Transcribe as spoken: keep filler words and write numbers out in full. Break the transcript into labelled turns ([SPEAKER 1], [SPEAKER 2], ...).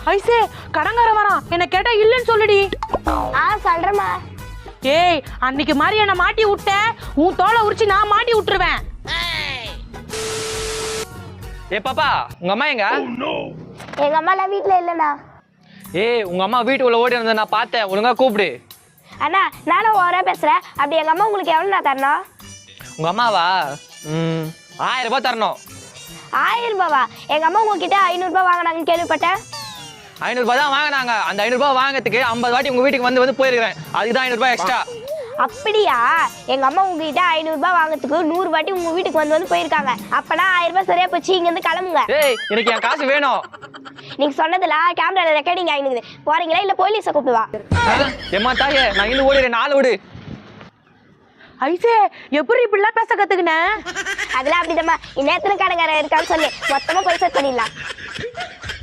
[SPEAKER 1] ஐசே கடங்கார வரான், என்ன கேட்டா இல்லன்னு சொல்லுடி.
[SPEAKER 2] ஆ சொல்றேம்மா.
[SPEAKER 1] ஏய் அன்னைக்கு மாதிரி என்ன மாட்டி விட்ட, உன் தோலை உரிச்சு நான் மாட்டி விட்டுருவேன்.
[SPEAKER 3] ஏ பாப்பா, உங்க அம்மா எங்க?
[SPEAKER 2] எங்க அம்மா எல்லாம் வீட்டுல இல்லண்ணா.
[SPEAKER 3] ஏய் உங்க அம்மா வீட்டுக்குள்ள ஓடி வந்தத நான் பார்த்தேன், ஒழுங்கா கூப்பிடு.
[SPEAKER 2] அண்ணா நானும் ஓரா பேசுறேன். அப்படி எங்க அம்மா உங்களுக்கு எவ்வளோ நான் தரணும்?
[SPEAKER 3] உங்க அம்மாவா? ம் ஆயிரம் ரூபாய் தரணும்.
[SPEAKER 2] ஆயிரம் ரூபாவா? எங்க அம்மா உங்ககிட்ட ஐநூறு ரூபாய் வாங்கினாங்கன்னு கேள்விப்பட்டேன்.
[SPEAKER 3] ஐநூறு ரூபாய் தான் வாங்கினாங்க. அந்த ஐநூறு ரூபாய் வாங்கிறதுக்கு ஐம்பது வாட்டி உங்க வீட்டுக்கு வந்து வந்து போயிருக்கிறேன். அதுக்கு தான் ஐநூறு ரூபாய் எக்ஸ்ட்ரா.
[SPEAKER 2] அப்படியா? எங்க அம்மா உங்ககிட்ட ஐநூறு ரூபாய் வாங்குறதுக்கு நூறு வாட்டி உங்க வீட்டுக்கு வந்து வந்து போயிருக்காங்க. அப்பனா ஆயிரம் ரூபாய் சரியா போச்சு. இங்க இருந்து கிளம்புங்க.
[SPEAKER 3] ஏய் எனக்கு என் காசு வேணும்.
[SPEAKER 2] நீங்க சொன்னதுல கேமரால ரெக்கார்டிங் ஆயிடுது. போறீங்களா இல்ல போலீஸை கூப்பிடுவா?
[SPEAKER 3] ஏமா தாயே, நான் இன்னும் ஓடிடுறேன். நாலு விடு.
[SPEAKER 1] ஐசே எப்படி இப்படிலாம் பேச கத்துக்கின?
[SPEAKER 2] அதெல்லாம் அப்படிதாம்மா. இந்நேரத்துல கடங்கார இருக்கான்னு சொல்லி மொத்தமா பைசா பண்ணிடலாம்.